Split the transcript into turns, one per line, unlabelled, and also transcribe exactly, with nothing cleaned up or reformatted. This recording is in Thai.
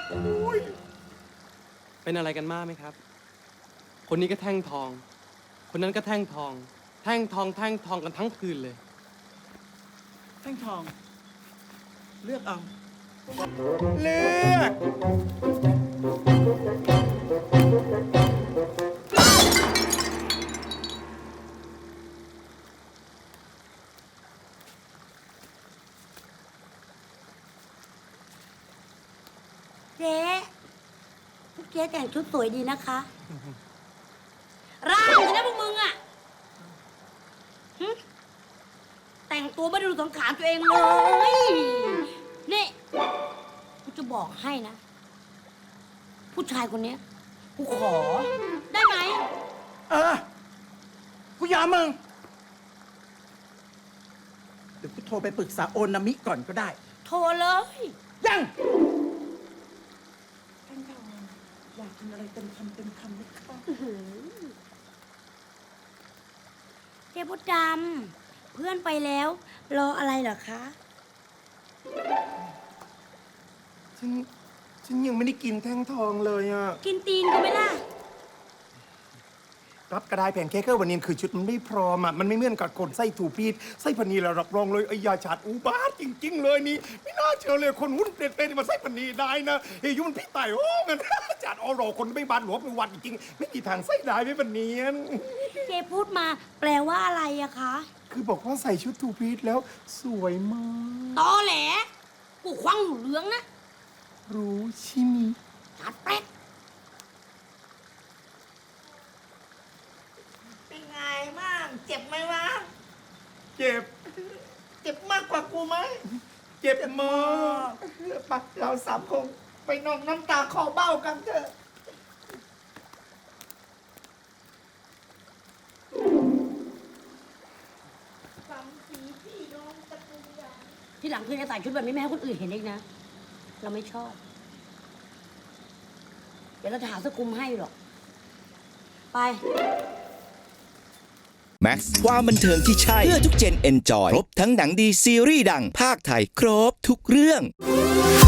เป็นอะไรกันมากไหมครับ คนนี้ก็แท่งทอง คนนั้นก็แท่งทอง แท่งทองแท่งทองกันทั้งคืนเลย
แท่งทอง เลือกเอา
เลือก
เจ๊พวกเจ๊แต่งชุดสวยดีนะคะ ร่างเลยนะพวกมึงอะหึแต่งตัวไม่ได้ดูสังขารตัวเองเลย นี่กูจะบอกให้นะ ผู้ชายคนเนี้ยกูขอ ได้ไหม
เออ กูยอมมึง เดี๋ยวกูโทรไปปรึกษาโอนามิก่อนก็ได้
โทรเลย
ยังแท่งทองอยากกินอะไรเต็มคำเต็มคำไหมคะ
เจ๊พดดำเพื่อนไปแล้ว รออะไรเหรอคะ
ฉัน ฉันยังไม่ได้กินแท่งทองเลยอ่ะ
กินตีนกูไหมล่ะ
รับกระไดแผ่นเค้กเกอร์วันนี้คือชุดมันไม่พร้อมอ่ะ มันไม่เหมือนกับคนไส้ถูปีดไส้พนีเรารับรองเลยไอ้ยาฉาดอุบาทจริง ๆ เลยนี่ ไม่น่าเชื่อเลยคนหุ้นเปลี่ยนเป็นมาไส้พนีได้นะเฮ้ยยุมันพี่ไต่โอ้เงินจัดออรอคนไม่บานหลวงเป็นวันจริงๆไม่มีทางไส้ได้ไม่ปนเนียน
เจ๊พูดมา แปลว่าอะไรอะคะ
คือบอกว่าใส่ชุดทูพีทแล้วสวยมาก
ตอแหล กูควังหูเหลืองนะ
รู้ใช่ไหม
ตัดแป๊ก
เป็นไงบ้าง เจ็บไหมวะ
เจ็บ
เจ็บมากกว่ากูไหม
เจ็บมาก
ไปเราสามคงไปนอนน้ำตาคอเบ้ากันเถอะ
ที่หลังเพื่อนจะใส่ชุดแบบนี้ไม่ให้คนอื่นเห็นอีกนะ เราไม่ชอบ เดี๋ยวเราจะหาสกุมให้หรอก ไป
แม็กซ์ความบันเทิงที่ใช่ เพื่อทุกเจนเอนจอย ครบทั้งหนังดีซีรีส์ดังภาคไทย ครบทุกเรื่อง